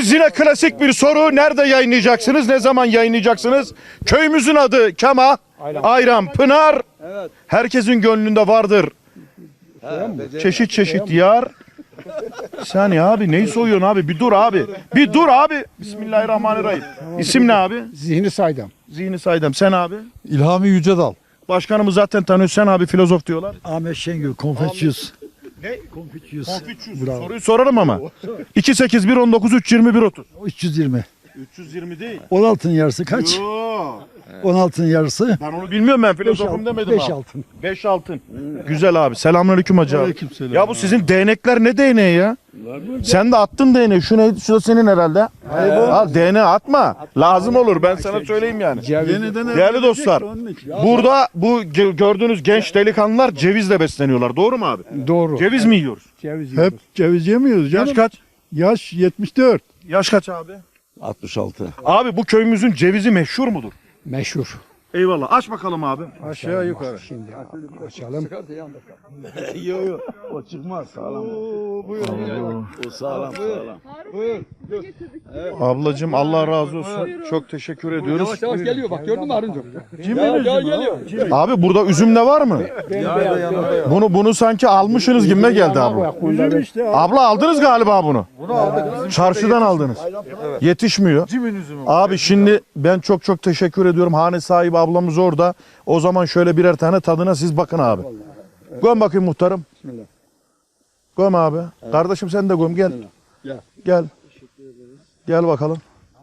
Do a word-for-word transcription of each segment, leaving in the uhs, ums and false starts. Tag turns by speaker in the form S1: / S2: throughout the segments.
S1: Geliriz yine klasik bir soru. Nerede yayınlayacaksınız? Ne zaman yayınlayacaksınız? Köyümüzün adı Kema, Ayran, Pınar. Herkesin gönlünde vardır. Çeşit çeşit diyar. Sen ya abi neyi soyuyorsun abi? Bir dur abi. Bir dur abi. Bismillahirrahmanirrahim. İsim ne abi?
S2: Zihni Saydam.
S1: Zihni Saydam. Sen abi?
S3: İlhami Yücedal.
S1: Başkanımız zaten tanıyor. Sen abi filozof diyorlar.
S3: Ahmet Şengül, Konfüçyüs.
S1: Ne?
S3: Konfüçyüs.
S1: Konfüçyüs. Soruyu sorarım ama. iki sekiz bir on dokuz üç yirmi bir otuz.
S3: üç yüz yirmi.
S1: üç yüz yirmi değil.
S3: on altının yarısı kaç?
S1: Yo.
S3: on altının yarısı.
S1: Ben onu bilmiyorum, ben filozofum demedim
S3: beş
S1: abi.
S3: altın.
S1: beş altın. Güzel abi. Selamünaleyküm hacı abi.
S3: Aleykümselam.
S1: Ya bu sizin değnekler ne değneği ya? Sen de attın değneği. Şu ne? Şu da senin herhalde. Al değneği atma. Lazım olur. Ben sana söyleyeyim yani. Değerli dostlar. Burada bu ge- gördüğünüz genç delikanlılar cevizle besleniyorlar. Doğru mu abi?
S2: Doğru.
S1: Ceviz mi yiyoruz?
S2: Ceviz
S3: Hep
S2: yiyoruz.
S3: ceviz yemiyoruz canım.
S1: Yaş kaç?
S3: Yaş yetmiş dört.
S1: Yaş kaç abi?
S4: altmış altı.
S1: Abi bu köyümüzün cevizi meşhur mudur?
S2: Meşhur.
S1: Eyvallah. Aç bakalım abi.
S3: Aşağı yukarı.
S2: Şimdi açalım.
S4: Yok yok. O çıkmaz sağlam. O sağlam sağlam.
S1: Ablacığım Allah razı olsun. Çok teşekkür ediyoruz.
S2: Yavaş geliyor bak gördün mü Arınca?
S1: Abi burada üzüm de var mı? Bunu bunu sanki almışsınız gibime geldi abi.
S3: Üzüm işte.
S1: Abla aldınız galiba bunu. Çarşıdan aldınız. Yetişmiyor. Abi şimdi ben çok çok teşekkür ediyorum. Hane sahibi ablamız orada. O zaman şöyle birer tane tadına siz bakın abi. Göm bakayım muhtarım. Göm abi. Kardeşim sen de göm gel. Gel. Gel bakalım.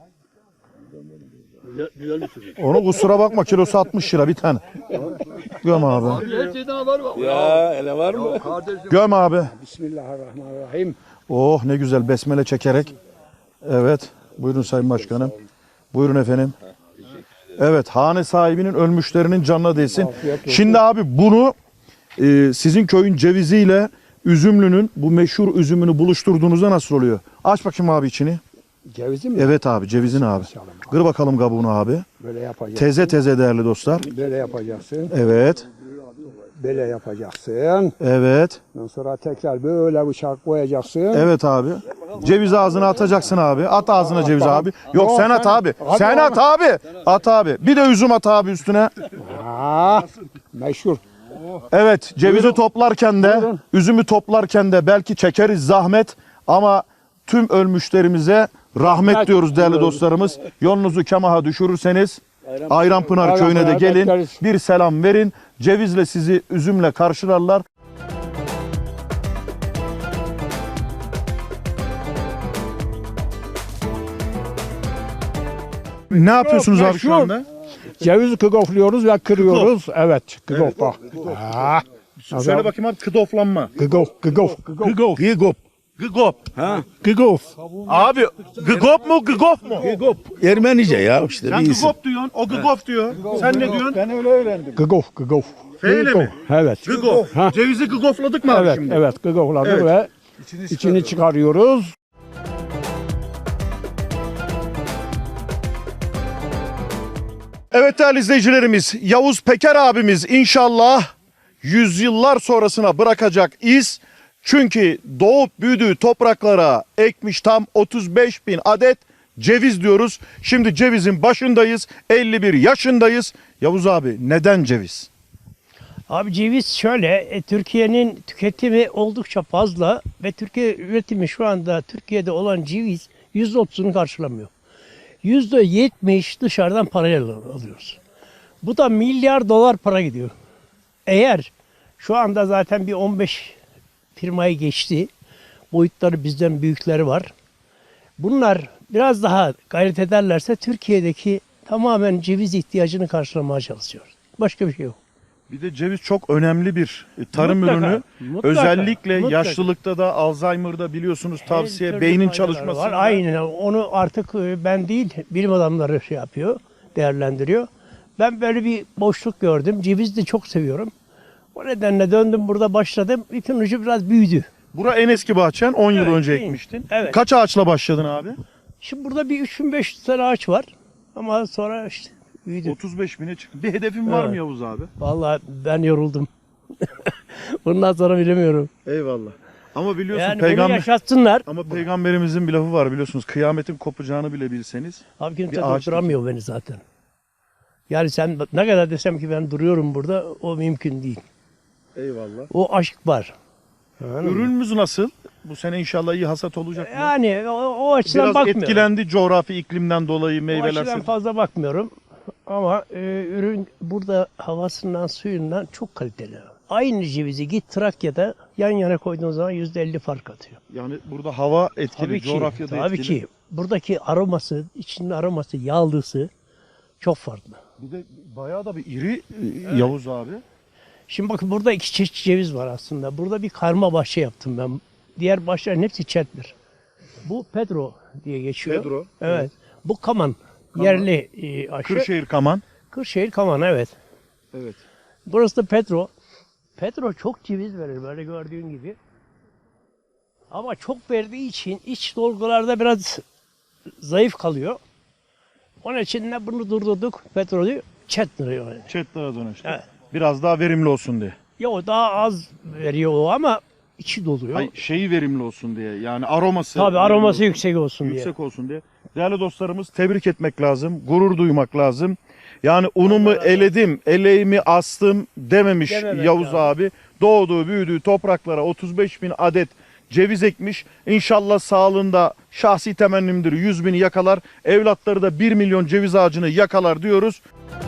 S1: Onu kusura bakma, kilosu altmış lira bir tane. Göm abi.
S4: Ya ele var mı?
S1: Göm abi.
S2: Bismillahirrahmanirrahim.
S1: Oh ne güzel besmele çekerek. Evet. Buyurun Sayın Başkanım. Buyurun efendim. Evet, hane sahibinin ölmüşlerinin canına değsin. Şimdi abi bunu e, sizin köyün ceviziyle üzümlünün bu meşhur üzümünü buluşturduğunuzda nasıl oluyor? Aç bakayım abi içini.
S2: Cevizi mi?
S1: Evet abi, cevizin abi. Kır bakalım kabuğunu abi.
S2: Böyle yapacaksın.
S1: Teze teze değerli dostlar.
S2: Böyle yapacaksın.
S1: Evet.
S2: Böyle yapacaksın.
S1: Evet.
S2: Ondan sonra tekrar böyle bıçak koyacaksın.
S1: Evet abi. Ceviz ağzına atacaksın abi. At ağzına ceviz abi. Yok
S2: Tamam,
S1: sen at
S2: sen-
S1: abi.
S2: Hadi
S1: Sen
S2: oğlum.
S1: at abi. At abi. Bir de üzüm at abi üstüne.
S2: Aa, meşhur.
S1: Evet, cevizi toplarken de, üzümü toplarken de belki çekeriz zahmet ama tüm ölmüşlerimize rahmet
S2: Rahmet
S1: diyoruz değerli
S2: diyoruz.
S1: dostlarımız. Yolunuzu Kemaha düşürürseniz Ayranpınar
S2: Ayranpınar'a
S1: köyüne de gelin.
S2: bekleriz.
S1: Bir selam verin. Cevizle sizi üzümle karşılarlar. Ne yapıyorsunuz abi şu
S2: meşhur.
S1: anda?
S2: Cevizi kıgofluyoruz ve kırıyoruz. Evet, kıgof bak. Aa,
S1: Söyle bakayım abi, kıdoflanma.
S2: kıgof, kıgof, kıgof.
S1: Gıgop. Gıgop. Gıgop.
S2: Kıgof.
S1: Abi gıgop mu gıgop mu?
S4: Ermenice ya işte
S1: Sen
S4: bir isim.
S1: gıgop diyorsun, o gıgop diyor. Sen ne diyorsun?
S3: Ben öyle öğrendim.
S2: Kıgof, kıgof.
S1: Feyle mi?
S2: Evet.
S1: Gıgop.
S2: Ha.
S1: Cevizi gıgofladık mı abi
S2: Evet,
S1: şimdi?
S2: evet, kıgofladık
S1: Evet.
S2: ve içini çıkarıyoruz.
S1: Evet değerli izleyicilerimiz, Yavuz Peker abimiz inşallah yüzyıllar sonrasına bırakacak iz. Çünkü doğup büyüdüğü topraklara ekmiş tam otuz beş bin adet ceviz diyoruz. Şimdi cevizin başındayız, elli bir yaşındayız. Yavuz abi neden ceviz?
S5: Abi ceviz şöyle, e, Türkiye'nin tüketimi oldukça fazla ve Türkiye üretimi şu anda Türkiye'de olan ceviz yüzde otuzunu karşılamıyor. yüzde yetmiş dışarıdan parayla alıyoruz. Bu da milyar dolar para gidiyor. Eğer şu anda zaten bir on beş firmayı geçti, boyutları bizden büyükleri var. Bunlar biraz daha gayret ederlerse Türkiye'deki tamamen ceviz ihtiyacını karşılamaya çalışıyor. Başka bir şey yok.
S1: Bir de ceviz çok önemli bir tarım
S5: Mutlaka,
S1: ürünü.
S5: mutlaka,
S1: Özellikle
S5: mutlaka.
S1: yaşlılıkta da Alzheimer'da biliyorsunuz
S5: Her
S1: tavsiye
S5: türlü
S1: beynin
S5: faydaları
S1: çalışması.
S5: var. Aynen onu artık e, ben değil bilim adamları şey yapıyor, değerlendiriyor. Ben böyle bir boşluk gördüm. Cevizi de çok seviyorum. O nedenle döndüm burada başladım. İpin ucu biraz büyüdü.
S1: Bura en eski bahçen, on yıl
S5: Evet,
S1: önce
S5: değil mi?
S1: ekmiştin.
S5: Evet.
S1: Kaç ağaçla başladın abi?
S5: Şimdi burada bir üç bin beş yüz tane ağaç var. Ama sonra işte büyüdü.
S1: otuz beş bine çıktı. Bir hedefin var mı
S5: Evet.
S1: Yavuz abi?
S5: Vallahi ben yoruldum. Bundan sonra bilemiyorum.
S1: Eyvallah. Ama biliyorsun
S5: Yani bunu
S1: peygamber
S5: yaşatsınlar.
S1: ama peygamberimizin bir lafı var biliyorsunuz. Kıyametin kopacağını bile bilseniz.
S5: Abi kimse
S1: Bir ağaç
S5: durduramıyor beni zaten. Yani sen ne kadar desem ki ben duruyorum burada, o mümkün değil.
S1: Eyvallah.
S5: O aşk var. Anladın mı?
S1: Ürünümüz nasıl? Bu sene inşallah iyi hasat olacak mı?
S5: Yani o, o açıdan
S1: Biraz
S5: bakmıyorum.
S1: etkilendi coğrafi iklimden dolayı
S5: O
S1: meyveler.
S5: açıdan fazla bakmıyorum. Ama e, ürün burada havasından, suyundan çok kaliteli. Aynı cevizi git Trakya'da yan yana koyduğun zaman yüzde elli fark atıyor.
S1: Yani burada hava etkili,
S5: Tabii ki,
S1: coğrafyada
S5: tabii
S1: etkili.
S5: ki. Buradaki aroması, içinin aroması, yağlısı çok farklı.
S1: Bir de bayağı da bir iri e, Yavuz abi.
S5: Şimdi bakın burada iki çeşit ceviz var aslında. Burada bir karma bahçe yaptım ben. Diğer bahçelerin hepsi Chandler. Bu Pedro diye geçiyor.
S1: Pedro,
S5: Evet.
S1: evet.
S5: Bu Kaman. Yerli e, aşı.
S1: Kırşehir Kaman.
S5: Kırşehir Kaman, evet.
S1: Evet.
S5: Burası da Pedro. Pedro çok ceviz verir böyle gördüğün gibi. Ama çok verdiği için iç dolgularda biraz zayıf kalıyor. Onun için de bunu durdurduk. Pedro'yu Chandler'a yani.
S1: Chatler'a dönüştü.
S5: Evet.
S1: Biraz daha verimli olsun diye.
S5: Ya o daha az veriyor o ama içi doluyor.
S1: Ay, şeyi verimli olsun diye. Yani aroması.
S5: Tabii
S1: verimli
S5: aroması
S1: olsun,
S5: yüksek olsun diye.
S1: yüksek olsun diye. Değerli dostlarımız tebrik etmek lazım. Gurur duymak lazım. Yani unumu eledim, eleğimi astım dememiş
S5: Dememek
S1: Yavuz
S5: lazım.
S1: abi. Doğduğu, büyüdüğü topraklara otuz beş bin adet ceviz ekmiş. İnşallah sağlığında şahsi temennimdir yüz bini yakalar. Evlatları da bir milyon ceviz ağacını yakalar diyoruz.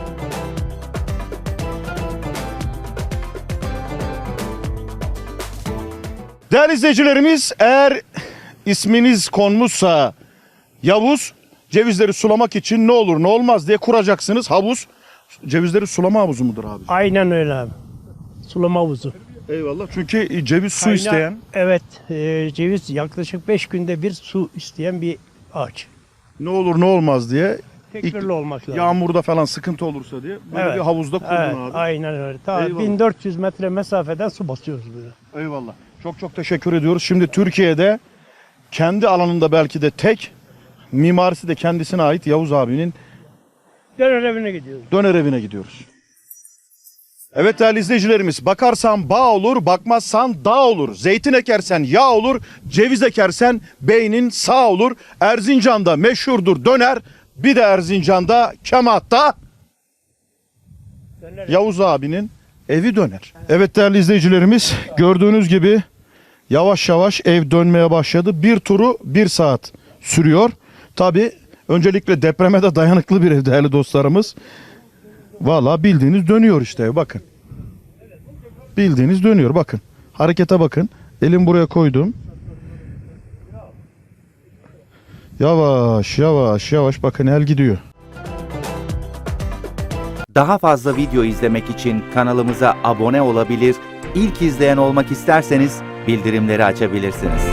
S1: Değerli izleyicilerimiz, eğer isminiz konmuşsa Yavuz, cevizleri sulamak için ne olur ne olmaz diye kuracaksınız havuz. Cevizleri sulama havuzu mudur abi?
S5: Aynen öyle abi. Sulama havuzu.
S1: Eyvallah. Çünkü ceviz su
S5: Kaynağı-
S1: isteyen.
S5: Evet. e, ceviz yaklaşık beş günde bir su isteyen bir ağaç.
S1: Ne olur ne olmaz diye.
S5: Tekbirli olmak lazım.
S1: Yağmurda falan sıkıntı olursa diye böyle
S5: Evet.
S1: bir havuzda kurdun
S5: Evet,
S1: abi.
S5: aynen öyle. Ta
S1: Eyvallah.
S5: bin dört yüz metre mesafeden su basıyoruz böyle.
S1: Eyvallah. Çok çok teşekkür ediyoruz. Şimdi Türkiye'de kendi alanında belki de tek, mimarisi de kendisine ait Yavuz abinin
S5: Döner evine gidiyoruz.
S1: döner evine gidiyoruz. Evet değerli izleyicilerimiz, bakarsan bağ olur, bakmazsan dağ olur. Zeytin ekersen yağ olur, ceviz ekersen beynin sağ olur. Erzincan'da meşhurdur döner, bir de Erzincan'da Kemahat'ta
S5: Döner
S1: Yavuz abinin evi döner. Evet değerli izleyicilerimiz, gördüğünüz gibi yavaş yavaş ev dönmeye başladı. Bir turu bir saat sürüyor. Tabi öncelikle depreme de dayanıklı bir ev değerli dostlarımız. Valla bildiğiniz dönüyor işte ev, bakın. Bildiğiniz dönüyor, bakın. Harekete bakın. Elim buraya koydum. Yavaş yavaş yavaş bakın el gidiyor.
S6: Daha fazla video izlemek için kanalımıza abone olabilir, ilk izleyen olmak isterseniz bildirimleri açabilirsiniz.